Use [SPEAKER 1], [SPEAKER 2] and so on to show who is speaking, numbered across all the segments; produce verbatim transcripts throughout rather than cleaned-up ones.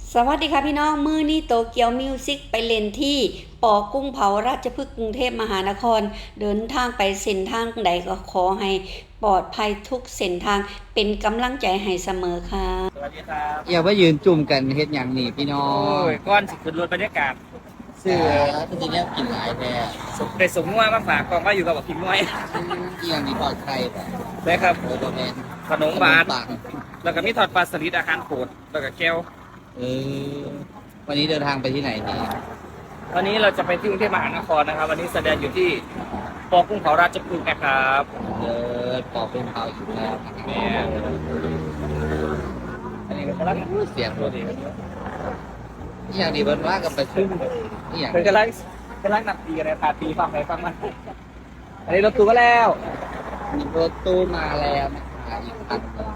[SPEAKER 1] สวัสดีค่ะพี่น้องมือนี้โตเกียวมิวสิกไปเล่นที่ปอกุ้งเผาราชพฤกษ์กรุงเทพมหานครเดินทางไปเส้นทางใดก็ขอให้ปลอดภัยทุกเส้นทางเป็นกำลังใจให้เสมอค่ะ
[SPEAKER 2] สวัสดีครับ
[SPEAKER 3] อย่าว่ายืนจุ่มกันเฮ็ดอย่างนี้พี่น้อ
[SPEAKER 2] โอ้
[SPEAKER 3] ง
[SPEAKER 2] ยก้อนสิขึ้นรถบรรยากาศ
[SPEAKER 3] เสื้อจริงๆแล้วกินหลายแท้
[SPEAKER 2] สมได้สมนัวมาฝากกองว่าอยู่กับพิมพ์น้อย
[SPEAKER 3] เอียงนี่ทอดไข่ป่ะ
[SPEAKER 2] ได้ครับ
[SPEAKER 3] โอ้โหแม่น
[SPEAKER 2] ขนมหวาน
[SPEAKER 3] ปัง
[SPEAKER 2] แล้วก็มีทอดปลาสลิดอาหารโปรดแล้วก็แก้ว
[SPEAKER 3] เออวันนี้เดินทางไปที่ไหนดี
[SPEAKER 2] วันนี้เราจะไปที่กรุงเทพมหานครนะครับวันนี้แสดงอยู่ที่ปอกุ้งเผาราชพฤกษ์นะครับ
[SPEAKER 3] เดินปอกเป็นเผาอยู่แล้วนะครับ
[SPEAKER 2] แม่อันนี้ก็กำลัง
[SPEAKER 3] เสียงรถอีอย่างนี้เบิ่นว่ากับไปชุ่มอีหยัง
[SPEAKER 2] เป็นกำลังกำลังนับตีกันเลยพาตีฟังไปฟังมาอันนี้รถตู้ก็แล้ว
[SPEAKER 3] มีรถตู้มาแล้วนะคะอีกคันหนึง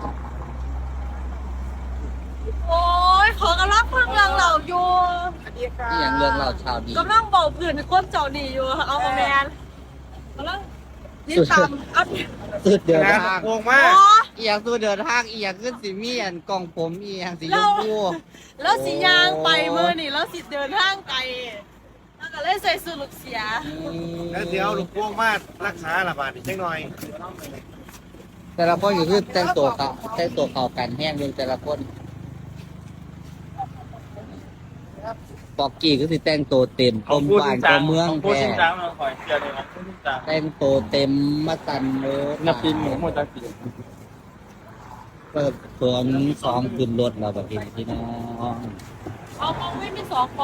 [SPEAKER 4] โอ้ยขอกำลังเพิ่งเรื่องเราอยู่
[SPEAKER 3] อีหยังเรื่องเราชาวดี
[SPEAKER 4] กำลังบอกผื่นคนเจ้าหนีอยู่เอามาแมนกำลังนี่ตามอัพ
[SPEAKER 3] สุดเดินทาง
[SPEAKER 2] งง
[SPEAKER 4] โอ้
[SPEAKER 2] มาก
[SPEAKER 3] อีหยังสุดเดินทางอีหยังขึ้นสีมีอันกล่องผมอีหยังสีชมพู
[SPEAKER 4] แล้วสียางไปเมื่อนี่แล้วสิเดินทางไกลแล้วก็เลยใส่สูทลูกเสีย
[SPEAKER 5] แล้วเดี๋ยวลูกพวงมารักษาละบาดอีกจังหน่อย
[SPEAKER 3] แต่ละคนอยู่คือแต่งตัวเขาแต่งตัวเขากันแห้งเลยแต่ละคนปอกกี้ก็คือแต่งตัวเต็มกลมบ้านกลมเมือง
[SPEAKER 2] พูด
[SPEAKER 3] แท้
[SPEAKER 2] จริงจังเราขอเชียร์เลยนะพูดจริงจัง
[SPEAKER 3] แต่งตัวเต็มมาตันเลย
[SPEAKER 2] นับปีหมูหมดตะกี้
[SPEAKER 3] เปิดตัวมันสองขึ้นรถเราแบบนี้พี่น้อง
[SPEAKER 4] เอามองไม่มีสองกอง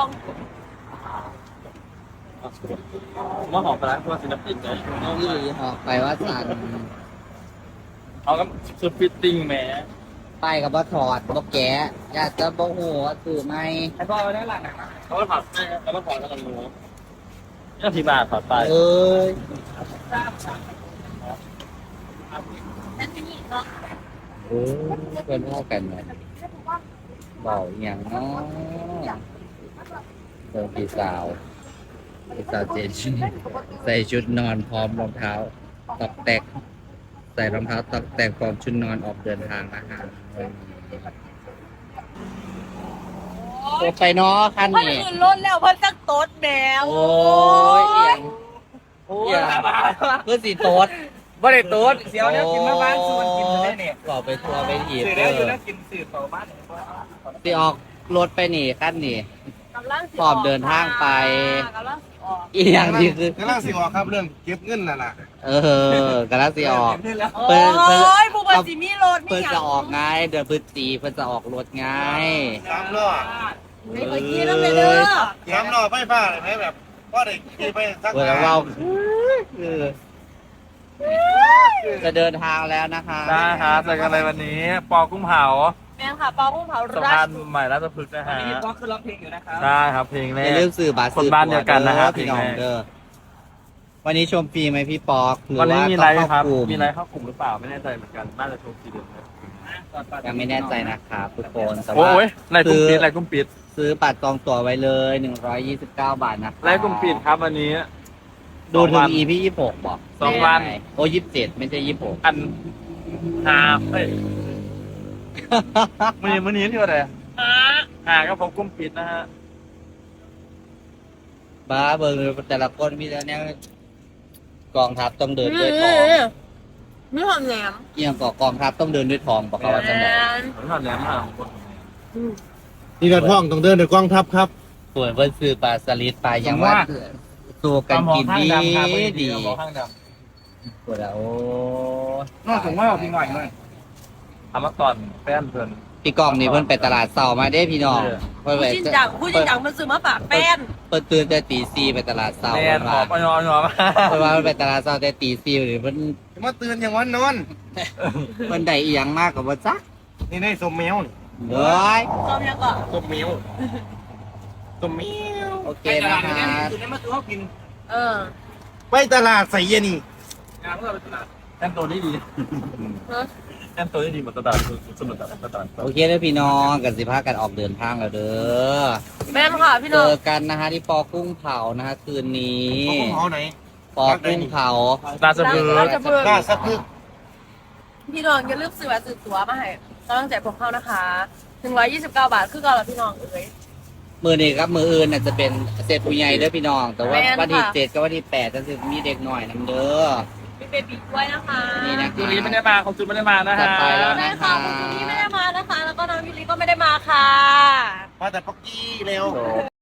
[SPEAKER 2] มาหอมปลาตัวศิลปินเลย
[SPEAKER 3] นี่เหาะไปว่าสัน
[SPEAKER 2] เอาก็ชุดฟิตติ้งแหม
[SPEAKER 3] ไปกับว่าถอดบ่แกะอยากจะบ่หัวสื่อไหม
[SPEAKER 2] ไอ้พ่อได้หลังนะเขาก็ถอดให้แล้วก็ถอดแล้วกันหมูนี่ที่บาทถอดไป
[SPEAKER 3] เอ้ย
[SPEAKER 4] นั่นนี่เนาะ
[SPEAKER 3] โอ้ยเพื่อนพ่อกันเลยบอกอหย่างเนาะเจอพี่สาวพี่สาวเจนใส่ชุดนอนพร้อมรองเท้าตอกแตกใส่รองเท้าตอกแตกพร้อมชุดนอนออกเดินทางนะฮะโอ้ไปเนาะคัน
[SPEAKER 4] เพิ่น
[SPEAKER 3] นี้
[SPEAKER 4] ขึ้นรถแล้วเพิ่นจักโต๊ดแมว
[SPEAKER 3] โอ้ยเอียง
[SPEAKER 2] โอ้
[SPEAKER 3] เอียงเพื่อสีโต๊ด
[SPEAKER 2] บ่ได้โต๊ดเสียวเนี่ยกินมาบ้านส่วนกินได้เนี่ย
[SPEAKER 3] ก่อไปทัวร์ไปหีบ
[SPEAKER 2] สื่อ
[SPEAKER 3] เอ
[SPEAKER 2] แล้วอยู่
[SPEAKER 3] อ
[SPEAKER 2] นะกินสื่อต่อบ้าน
[SPEAKER 3] สิออกรถไปหนีขั้นนี่
[SPEAKER 4] กำลังสิ
[SPEAKER 3] พร้อมเดินทางไป
[SPEAKER 4] กำลังสิออก
[SPEAKER 3] อีกอย่างที่คือก
[SPEAKER 5] ำลังสิออกครับเรื่องเก็บเงินน่ะล่ะ
[SPEAKER 3] เออกำลังสิออก
[SPEAKER 4] โอ้ยผู้บริสิมีรถมี
[SPEAKER 3] เพิ่น
[SPEAKER 4] อย่าง
[SPEAKER 3] จะออกไงเดือนพฤศจิเพิ่นจะออกรถไง
[SPEAKER 5] สามล้อ
[SPEAKER 4] ไม่เคยกินแล้วไปเด้อ
[SPEAKER 5] สามล้อไฟฟ้าเลยไหมแบบก็ได้ขี่ไปสัก
[SPEAKER 3] เวลาเราเออจะเดินทางแล้วนะคะ
[SPEAKER 2] ได้ครับเจอกันเลยวันนี้ ปอกุ้งเผา
[SPEAKER 4] แม่งค่ะปอกุ้งเผา
[SPEAKER 2] สะ
[SPEAKER 4] รา
[SPEAKER 2] พา
[SPEAKER 4] ช
[SPEAKER 2] นใหม่ราชพฤกษ์นะฮะวันนี้ปอคือร้องเพลงอยู่นะครับได้ครับเพลงแร
[SPEAKER 3] อย่าก ลืมสื่อบัตร
[SPEAKER 2] คนบ้านเดียวกันนะครับ
[SPEAKER 3] พี่น้อง
[SPEAKER 2] เพลงแรก
[SPEAKER 3] เด้อวันนี้ชมฟรีไหมพี่ปอกหรือ
[SPEAKER 2] วันนี้
[SPEAKER 3] ว่า
[SPEAKER 2] มี
[SPEAKER 3] ต้
[SPEAKER 2] ไล
[SPEAKER 3] อง
[SPEAKER 2] ฟ์ค
[SPEAKER 3] เข้า
[SPEAKER 2] รับ
[SPEAKER 3] กลุ่ม
[SPEAKER 2] มีไลฟ์เข้ากลุ่มหรือเปล่าไม่แน่ใจเหมือนกันน่าจะชมทีเดียว
[SPEAKER 3] ยังไม่แน่ใจนะครับทุกคนแต่
[SPEAKER 2] โอ้
[SPEAKER 3] ว่าย
[SPEAKER 2] ไลฟ์กลุ่มปิดไลฟ์กลุ่มปิด
[SPEAKER 3] ซื้อบัตรจองตั๋วไว้เลยหนึ่งร้อยยี่สิบเก้าบาทนะครับ
[SPEAKER 2] ไลฟ์กลุ่มปิดครับวันนี้
[SPEAKER 3] ดูถึ
[SPEAKER 2] สองวั
[SPEAKER 3] ง
[SPEAKER 2] น
[SPEAKER 3] อีพียี่สิบหกบอก
[SPEAKER 2] สองวัน
[SPEAKER 3] โอ้ยี่สิบเจ็ดไม่ใช่ยี่สิบหก
[SPEAKER 2] อันหาเฮ้ยมือนี้มือนี้ที่ว่าอะไรหาก็ผมกลุ่มปิดนะฮะ
[SPEAKER 3] บ้าเบิร์แต่ละคนมีแต่เนี้ยกองทัพต้องเดินด้วยทอง
[SPEAKER 4] มีหอมแหนม
[SPEAKER 3] เอียงก่อกองทัพต้องเดินด้วยทองบอกเขาว่าจะบอก
[SPEAKER 2] ผมทำแล้วมา
[SPEAKER 5] นี่เราท่องต้องเดินโดยกองทัพครับ
[SPEAKER 3] ส่วนเพิ่นซื้อปลาสลิดปลาอย่างว่าสู้กันกินดีดี
[SPEAKER 2] ข้างด
[SPEAKER 3] ปวดแล้วโอ้
[SPEAKER 2] ำน่าสงว่าพี่หน่อยหน่อยทำมาก่อนแป้นเพื่อน
[SPEAKER 3] พี่กองนี่เพิ่นไปตลาดเสาร์มาเด้พี่น้องเพิ่น
[SPEAKER 4] ผู้
[SPEAKER 3] ไป
[SPEAKER 4] จริงจังผู้จริงจังมันซื้อมาฝากแป้น
[SPEAKER 3] เพิ่นตื่นแต่ตีสี่ไปตลาดเสาร์
[SPEAKER 2] แป้
[SPEAKER 3] เพิ่
[SPEAKER 2] น
[SPEAKER 3] น
[SPEAKER 2] หอ
[SPEAKER 3] ว่าม
[SPEAKER 2] อ่อนอ่อน
[SPEAKER 3] เพิ่นว่าเพิ่นไปตลาดเสาร์แต่ตีสี่หรือเพิ่น
[SPEAKER 5] มาตื่นอย่างวันนอน
[SPEAKER 3] เพิ่นได้อีหยังมากกว่าบ่จัก
[SPEAKER 5] นี่ได้สมแมวนี่
[SPEAKER 3] เด้ย
[SPEAKER 4] ชอบยังก่อน
[SPEAKER 5] สมแมวสมแมว
[SPEAKER 3] โอเคนะคะ
[SPEAKER 2] คือในมาตัวเขากิน
[SPEAKER 4] เออ
[SPEAKER 5] ไปตลาดใส่เยนี่
[SPEAKER 2] งานเพื่อไปตลาดแป้นตัวนี้ดี
[SPEAKER 4] เออ
[SPEAKER 2] แป้นตัวนี้ดีเหมือนตลาดสนุกแบบตลาด
[SPEAKER 3] โอเคเด้อพี่น้องกันสิพากันออกเดินทางแล้วเด้อ
[SPEAKER 4] แม่นค่ะพี่
[SPEAKER 3] เจ
[SPEAKER 4] น้อง
[SPEAKER 3] อกันนะฮะที่ปอกุ้งเผานะฮะคืนนี้
[SPEAKER 5] เขาของเขาไหน
[SPEAKER 3] ปอกุ้งเผา
[SPEAKER 2] ตาสะพือ
[SPEAKER 4] เราจะเบิ่ง
[SPEAKER 5] กล้าสะพึก
[SPEAKER 4] พี่น้องอย่าลืมซื้อบัตรซื้อตั๋วมาให้กำลังใจพวกเขานะคะ ถึนึ่งร้อยยี่สิบเก้าบาทคือเก่าแล้วพี่น้องเอ้ย
[SPEAKER 3] มือนี้ครับมืออื่นน่ะจะเป็นเศษผู้ใหญ่เด้อพี่น้อง แต่ว่า
[SPEAKER 4] แม่นค่ะ
[SPEAKER 3] วันที่เจ็ดกับวันที่แปดจะมีเด็กหน่อยนำเด้อ
[SPEAKER 4] มีเบบีด้วยนะคะ
[SPEAKER 3] นี่นะ
[SPEAKER 2] ยูริไม่ได้มาของจุนไม่ได้มานะ
[SPEAKER 3] จั
[SPEAKER 2] ฮะ
[SPEAKER 3] ดไปแล้ว
[SPEAKER 4] ได้
[SPEAKER 3] นะ
[SPEAKER 4] ค่ะ
[SPEAKER 3] คะ
[SPEAKER 4] คุณจูนี่ไม่ได้มานะคะ แล้วก็น้องยูริก็ไม่ได้มาค่ะ
[SPEAKER 5] มาแต่ป๊อกกี้เร็ว
[SPEAKER 3] โอ้